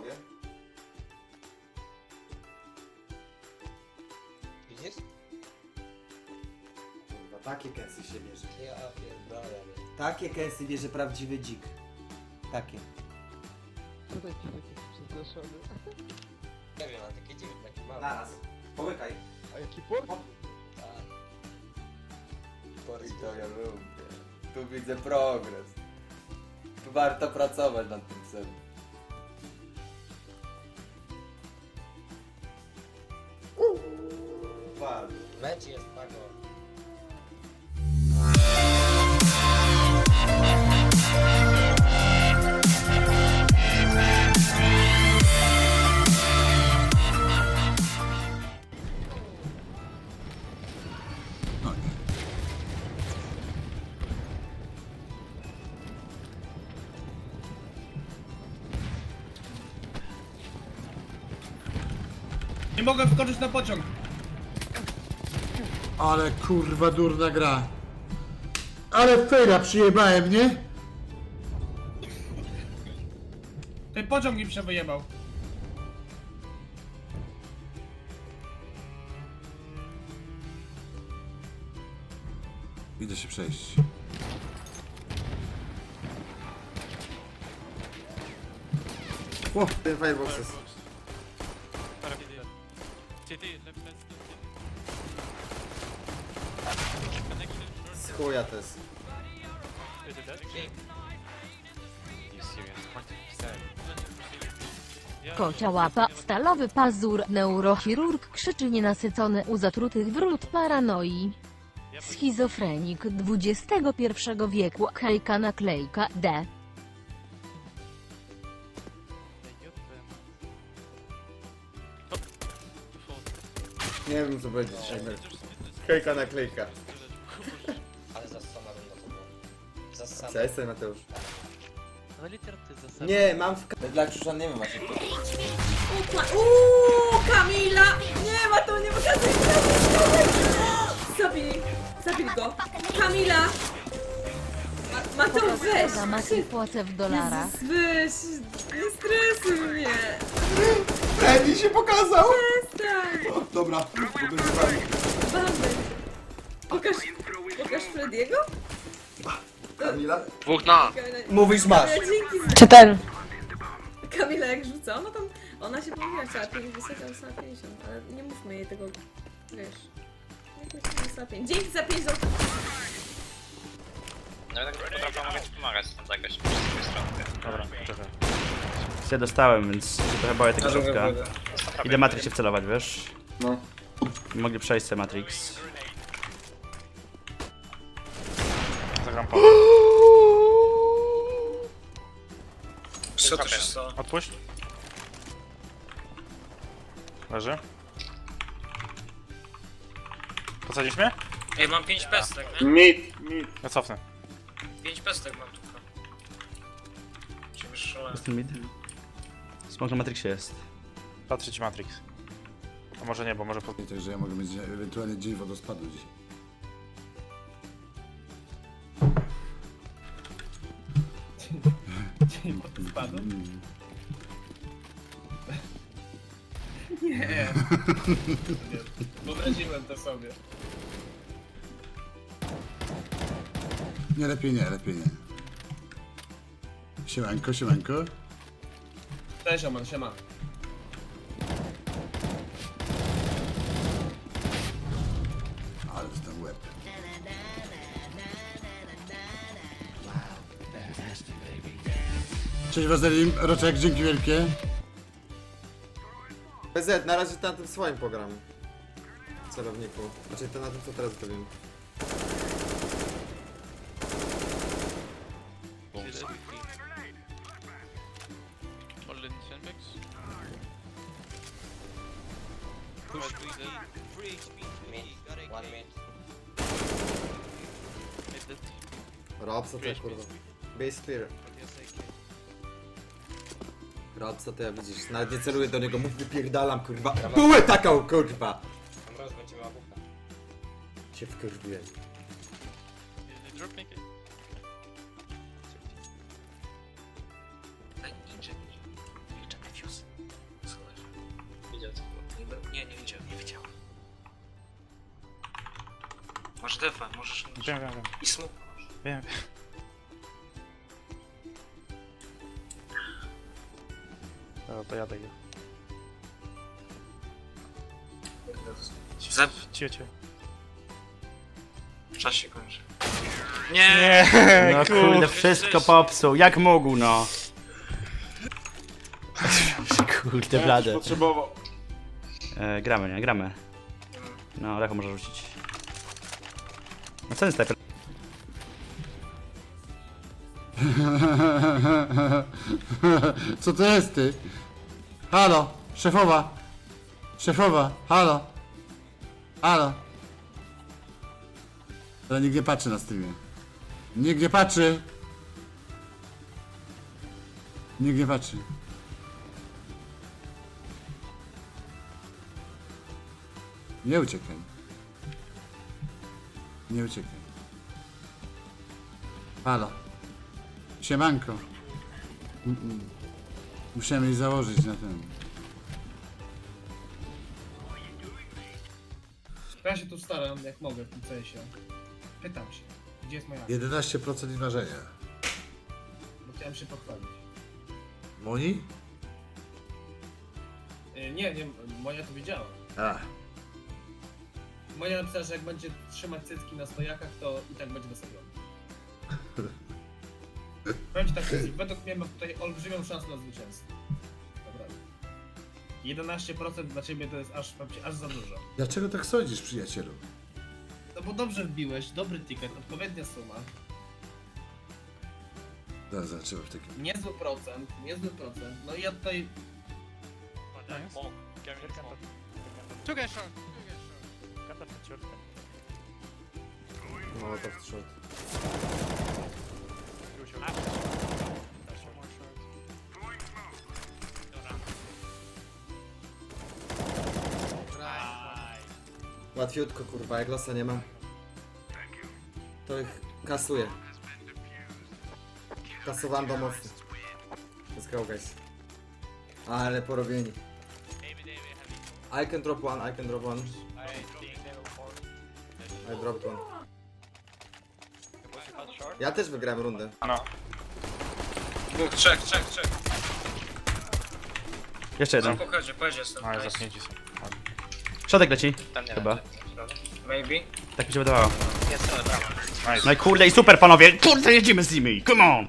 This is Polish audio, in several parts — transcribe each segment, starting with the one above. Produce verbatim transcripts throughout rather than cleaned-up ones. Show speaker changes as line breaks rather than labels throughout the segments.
mogę.
Widzisz?
Kurwa, takie kęsy się bierze.
Ja pierdolę.
Takie kęsy bierze prawdziwy dzik. Takie.
Co taki taki przestraszony?
Nie wiem, a takie dziwne, takie małe.
Naraz. Połykaj.
A jaki port?
Tak.
I to ja lubię. Tu widzę progres. Tu warto pracować nad tym celem. Bardzo.
Mecz jest pago.
Nie mogę wskoczyć na pociąg.
Ale kurwa durna gra. Ale fejra przyjebałem, nie?
Ten pociąg mi się wyjebał.
Idę się przejść.
O, ten fireboxes. Z chuja to jest.
Kocia łapa, stalowy pazur, neurochirurg krzyczy nienasycony u zatrutych wrót paranoi. Schizofrenik dwudziestego pierwszego wieku, hejka naklejka, D.
Nie wiem co będzie dzisiaj. Hejka naklejka.
Ale zassana bym na to było. Zassana.
Cześć, sobie Mateusz.
Ale liter ty za
Nie, mam w... Dla Krzusza nie wiem właśnie.
Uuu, Kamila! Nie ma to, nie pokazuj! Zabij, zabij go! Kamila! Ma, Mateusz, weź!
Za Maciej płacę w dolarach.
Jezus, weź! Nie stresuj mnie!
Freddy się pokazał!
Przestań!
O, dobra, bo będzie fajnie.
Bamy! Pokaż, pokaż Frediego?
Kamila?
Dwóch na!
Kamila,
Mówisz masz.
Kamila, dzięki za...
Czy ten?
Kamila jak rzuca, ona tam... Ona się pomyliła, chciała pięć wysłać, ale wysłała pięćdziesiąt, ale nie mówmy jej tego, wiesz... Nie mówmy, że wysłała pięć. Dzięki za pięć złotych!
No tak potrafię, mogę ci pomagać tam zagrać z tej strony.
Dobra, czekaj. Ja dostałem, więc się trochę boję tego środka. Idę Matrix się wcelować, wiesz?
No.
Mogli przejść sobie Matrix.
Zagram po. Co to się stało? Odpuść. Leży. Posadzisz mnie?
Ej, mam pięć pestek, nie?
Mit, mit.
Ja cofnę.
pięć pestek mam tylko. Czy wyszło?
Jest ten mid? Smok na Matrixie jest.
Patrzę ci Matrix. A może nie, bo może po...
Także ja mogę mieć ewentualnie dzień wodospadu dzisiaj.
Dzień spadł? Nie. Wyobraziłem to sobie.
Nie, lepiej nie, lepiej nie. Siemanko, siemanko.
Cześć Oman, siema.
Ale to ten łeb. Cześć Wazelim, Roczek, dzięki wielkie.
P Z, na razie na tym swoim pogram. Celowniku. Znaczy to na tym co teraz zrobiłem.
Mid. One mid.
Rob, co ty kurwa. Base clear. Rob, co ty ja widzisz? Nawet nie celuję do niego, mów wypierdalam kurwa. Bułę taką kurwa!
Tam roz będzie miała bucha.
Się wkurwiłem.
Ej, ninja, ninja defuse. Nie, nie widziałem, nie widziałem. Masz defa, możesz...
Wiem, wiem, wiem.
I smoke.
Wiem. Dobra, to jadę. idę.
Za...
Cio, cio.
Czas się kończy. Nie!
Nie,
No kurde, wszystko popsuł. Jak mógł, no. Kurde, blade.
Potrzebował.
E, gramy, nie? Gramy. No, Lecho może rzucić. No co jest snajper?
Co to jest ty? Halo, szefowa. Szefowa, halo. Halo. Ale nikt nie patrzy na streamie. Nikt nie patrzy. Nikt nie patrzy. Nie uciekaj. Nie uciekaj. Halo. Siemanko. Mm -mm. Musiałem jej założyć na ten.
Ja się tu staram, jak mogę w tym sensie. Pytam się, gdzie jest moja...
jedenaście procent ważenia.
Bo chciałem się pochwalić.
Moni?
Y, nie, nie, moja to widziała.
A.
Moja napisała, że jak będzie trzymać cycki na stojakach, to i tak będzie dosadziony. Powiem ci tak, według mnie ma tutaj olbrzymią szansę na zwycięstwo. Naprawdę. jedenaście procent dla ciebie to jest aż, powiem ci, aż za dużo.
Dlaczego tak sądzisz, przyjacielu?
No bo dobrze wbiłeś, dobry ticket, odpowiednia suma,
Zaraz zobaczymy w takim.
niezły procent, niezły procent. No i ja tutaj...
No to w trzot. Łatwiutko kurwa, jak losa nie ma. To ich kasuje. Kasowando mocno. Let's go guys. Ale porobieni. I can drop one, I can drop one. I dropped one. Ja też wygrałem rundę.
Dwóch, trzech, trzech, trzech.
Jeszcze
Na
jeden.
pochodzie, pojedzie jestem.
No i
Nice.
zasnięci są.
Środek leci.
Tam nie
Chyba.
wiem.
Maybe.
Tak mi się wydawało.
Jest całe brawo.
Nice.
No i kurde, i super panowie. Kurde, jedziemy z nimi. Come on.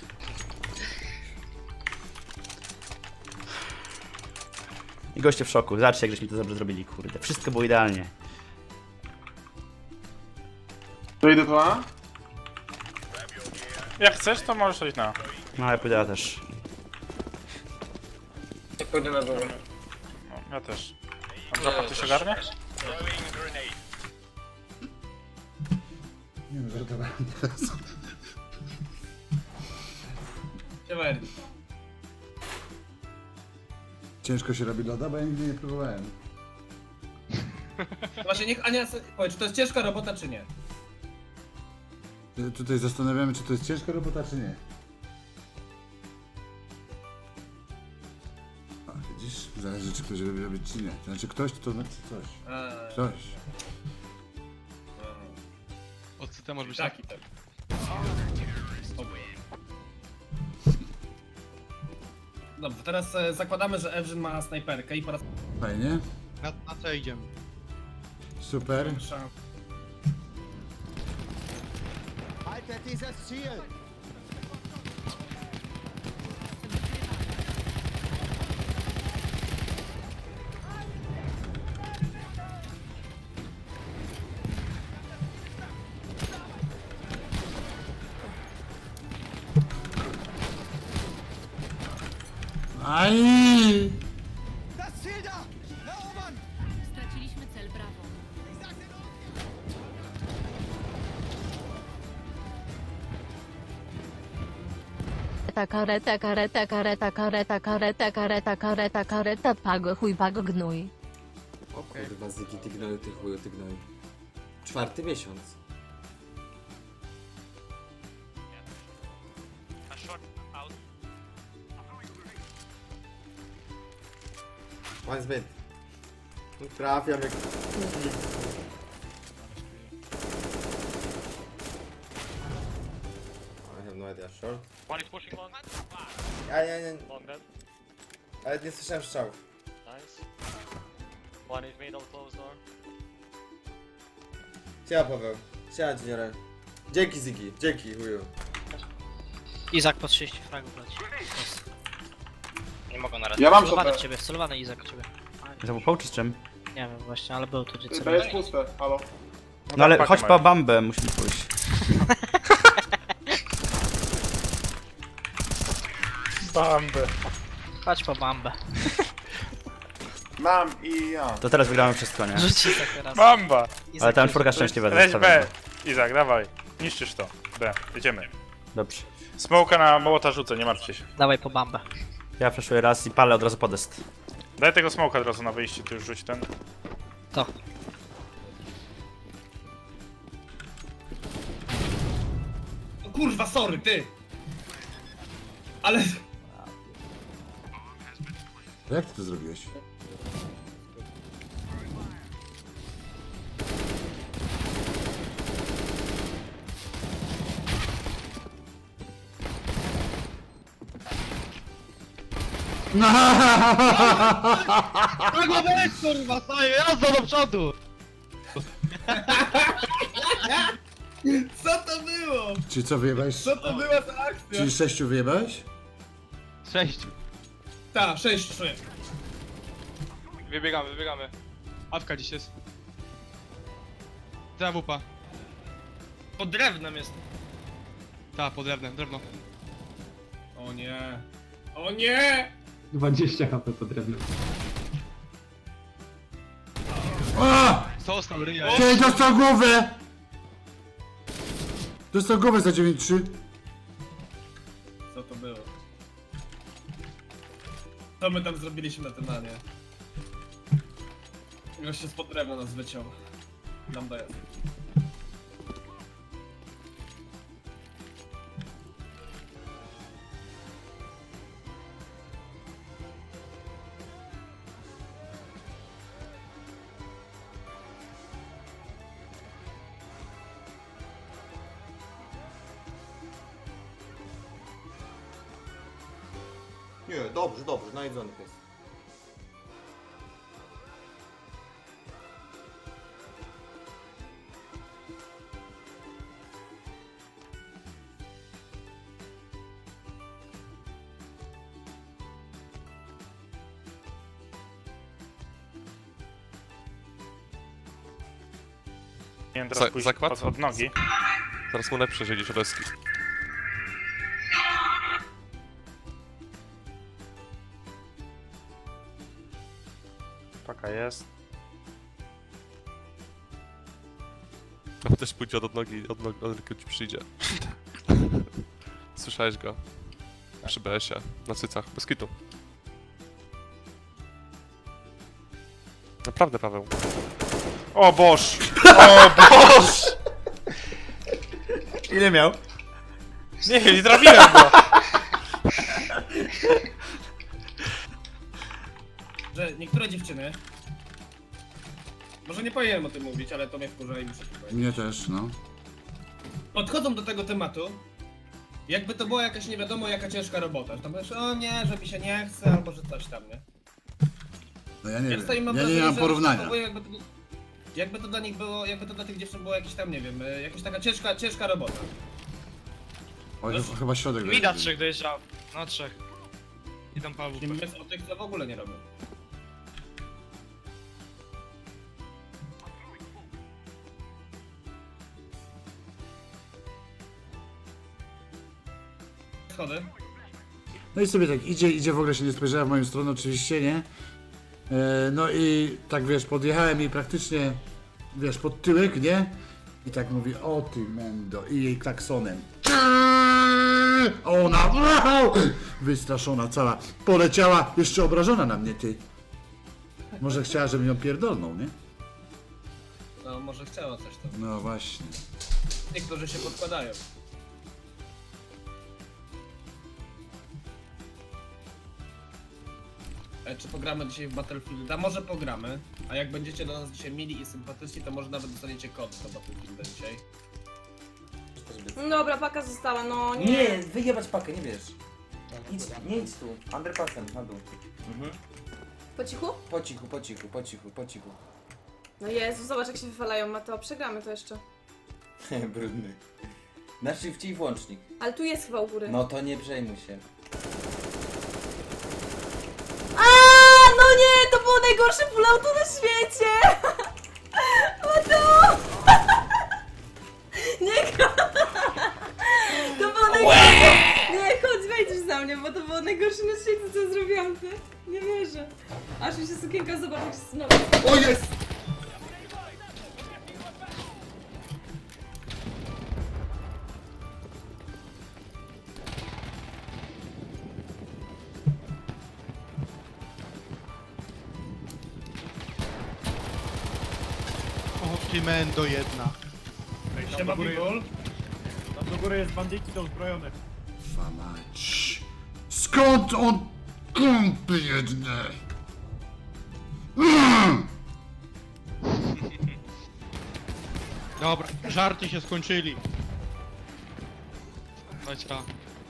I goście w szoku. Zobaczcie, jak żeśmy to dobrze zrobili, kurde. Wszystko było idealnie.
To idę tu, a?
Jak chcesz, to możesz iść na.
No, ja pójdę ja też.
Nie pójdę na górę.
No, ja też. A dropa ktoś ogarnie?
Nie wiem, żartowałem teraz.
Siema, Erdi.
Ciężko się robi loda, bo ja nigdy nie próbowałem.
Właśnie niech Ania se- powie, czy to jest ciężka robota, czy nie?
Y, Tutaj zastanawiamy, czy to jest ciężka robota, czy nie. A, widzisz? Zależy, czy ktoś robi robić, czy nie. To znaczy ktoś, to znaczy coś.
A,
Ktoś.
Od C może być
taki tak. Dobrze, teraz e, zakładamy, że Evgen ma snajperkę i po raz
Fajnie.
Na, na co idziemy?
Super.
pierwszy
Aj!
Straciliśmy cel, brawo. Kareta, kareta, kareta, kareta, kareta, kareta, kareta, kareta, pago, chuj, pago, gnój.
O kurwa, zygi ty gnoju, ty chuju, ty gnoju. Czwarty miesiąc. One is mid. Trafiam jak... I have no idea, short?
One is pushing long.
Ja nie, nie,
Long dead.
ale nie słyszałem strzałów.
Nice. One is middle, close door.
Siema Paweł, siema Juniorem. Dzięki Ziggy, dzięki chuju.
Izak po trzydzieści fragów leci. Jest.
Nie mogę na raz.
Ja mam
Wcelowany w
to.
ciebie, wcelowany Izak w ciebie.
Za upał czy z czym?
Nie wiem właśnie, ale był tu gdzie
B
celowany.
jest puste, halo.
No ale
tak,
chodź
tak,
po
mają.
bambę, musimy pójść.
Bamby.
Chodź po bambę.
Mam i ja.
To teraz wygramy wszystko, nie?
Rzuć Izak teraz.
Bamba!
Izak
Ale tam
rzuć.
czwórka szczęśliwa
Weź B.
zostawiona.
Izak, dawaj. Niszczysz to. B. Jedziemy.
Dobrze.
Smoka na mołota rzucę, nie martwcie się.
Dawaj po bambę.
Ja flashuję raz i palę od razu podest.
Daj tego smoka od razu na wyjście, ty już rzuć ten.
To.
O kurwa, sorry, ty! Ale...
Jak ty to zrobiłeś?
Kurwa, weź kurwa, staję, jazda do przodu!
Co to było?
Czy co wyjebałeś?
Co to była za akcja?
Czyli sześciu wyjebałeś?
Sześć.
Ta, sześć, sześć.
Wybiegamy, wybiegamy. Awka dziś jest. Ta wupa.
Pod drewnem jest.
Ta, pod drewnem, drewno.
O nie. O nie!
dwadzieścia HP po drewnie.
O!
Został ryja.
Ty dostał głowę! Dostał głowę za dziewięć trzy.
Co to było? Co my tam zrobiliśmy na tym anie? Już się spod drewna nas wyciął. Nam daje.
Nie, dobrze, dobrze, najedzony pies.
Nie wiem, teraz
Za-
pójść
zakład?
od, od nogi.
Zaraz mu lepsze siedzieć reski.
Paka jest.
No też pójdzie od nogi, od nogi, od ręki ci przyjdzie. Słyszałeś go? Przy B S ie, na cycach, bez kitu. Naprawdę, Paweł.
O Boż! O Boż!
Ile miał?
Nie, nie trafiłem go!
Że niektóre dziewczyny... Może nie powinienem o tym mówić, ale to mnie wkurza i muszę to powiedzieć.
Mnie też, no.
Podchodzą do tego tematu, jakby to była jakaś nie wiadomo jaka ciężka robota. Że tam powiesz, o nie, że mi się nie chce, albo że coś tam, nie?
No ja nie
Ja
wiem.
tutaj mam
Ja nie
wrażenie,
mam
że
porównania.
zachowują Jakby to, jakby to dla nich było, jakby to dla tych dziewczyn było jakieś tam, nie wiem, y, jakaś taka ciężka, ciężka robota.
Oj, chyba- chyba środek
Mida
dojedzie.
trzech dojeżdżał. No trzech. Idą po
Nie mówiąc o tych, co w ogóle nie robią. Schody.
No i sobie tak idzie, idzie, w ogóle się nie spojrzała w moją stronę oczywiście, nie? E, no i tak wiesz, podjechałem jej praktycznie, wiesz, pod tyłek, nie? I tak mówi, o ty mendo, i jej klaksonem. A ona, wow! Wystraszona cała, poleciała, jeszcze obrażona na mnie, ty. Może chciała, żebym ją pierdolnął, nie?
No może chciała coś tam.
No właśnie.
Niektórzy się podkładają. E, czy pogramy dzisiaj w Battlefielda? Może pogramy, A jak będziecie do nas dzisiaj mili i sympatyczni, to może nawet dostaniecie kod do Battlefielda dzisiaj.
Dobra, paka została, no nie.
Nie, wyjebać pakę, nie wiesz. Idź, nie idź tu. Underpassem, na dół. Mhm.
Po cichu?
Po cichu, po cichu, po cichu, po cichu.
No Jezu, zobacz jak się wywalają, Mateo, przegramy to jeszcze.
Brudny. Na shifcie i włącznik.
Ale tu jest chyba u góry.
No to nie przejmuj się.
A, no nie, to było najgorsze pulauto na świecie! Mateo! Nie, to było najgorsze. Nie, chodź, wejdziesz za mnie, bo to było najgorsze na świecie, co ja zrobiłam, ty. Nie wierzę. Aż mi się sukienka, zobacz jak się znowu.
O jest!
O, ty mendo jedna.
Siema, Bigol.
Tam do góry jest bandyki do uzbrojone.
Famać. Skąd on kąpy jedne? Mm!
Dobra, żarty się skończyli. Chodź ta.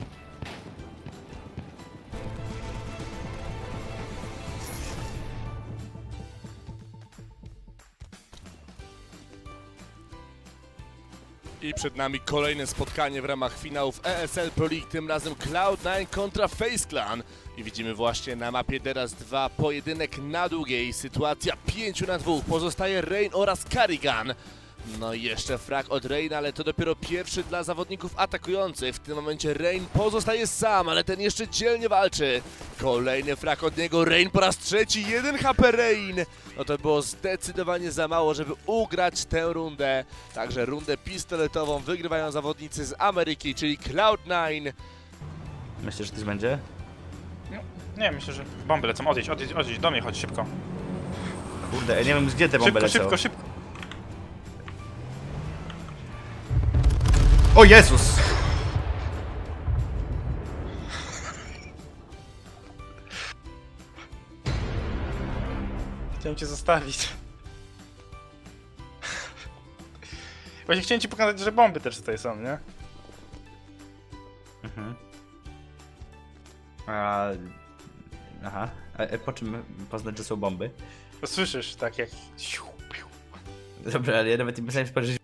I przed nami kolejne spotkanie w ramach finałów E S L Pro League, tym razem Cloud nine kontra Face Clan. I widzimy właśnie na mapie teraz dwa pojedynek na długiej. Sytuacja pięć na dwa. Pozostaje Rain oraz Karrigan. No i jeszcze frag od Raina, ale to dopiero pierwszy dla zawodników atakujących. W tym momencie Rain pozostaje sam, ale ten jeszcze dzielnie walczy. Kolejny frag od niego, Rain po raz trzeci, jeden H P Rain. No to było zdecydowanie za mało, żeby ugrać tę rundę. Także rundę pistoletową wygrywają zawodnicy z Ameryki, czyli Cloud nine.
Myślisz, że coś będzie?
Nie, myślę, że bomby lecą. Odjedź, odjedź, odjedź, do mnie chodź szybko.
Kurde, ja nie wiem gdzie te bomby
Szybko,
lecą.
szybko, szybko.
O Jezus!
Chciałem cię zostawić. Właśnie chciałem ci pokazać, że bomby też tutaj są, nie?
Mhm. A... Aha. A, a po czym poznać, że są bomby?
Bo słyszysz tak jak...
Dobra, ale ja nawet nie myślałem, że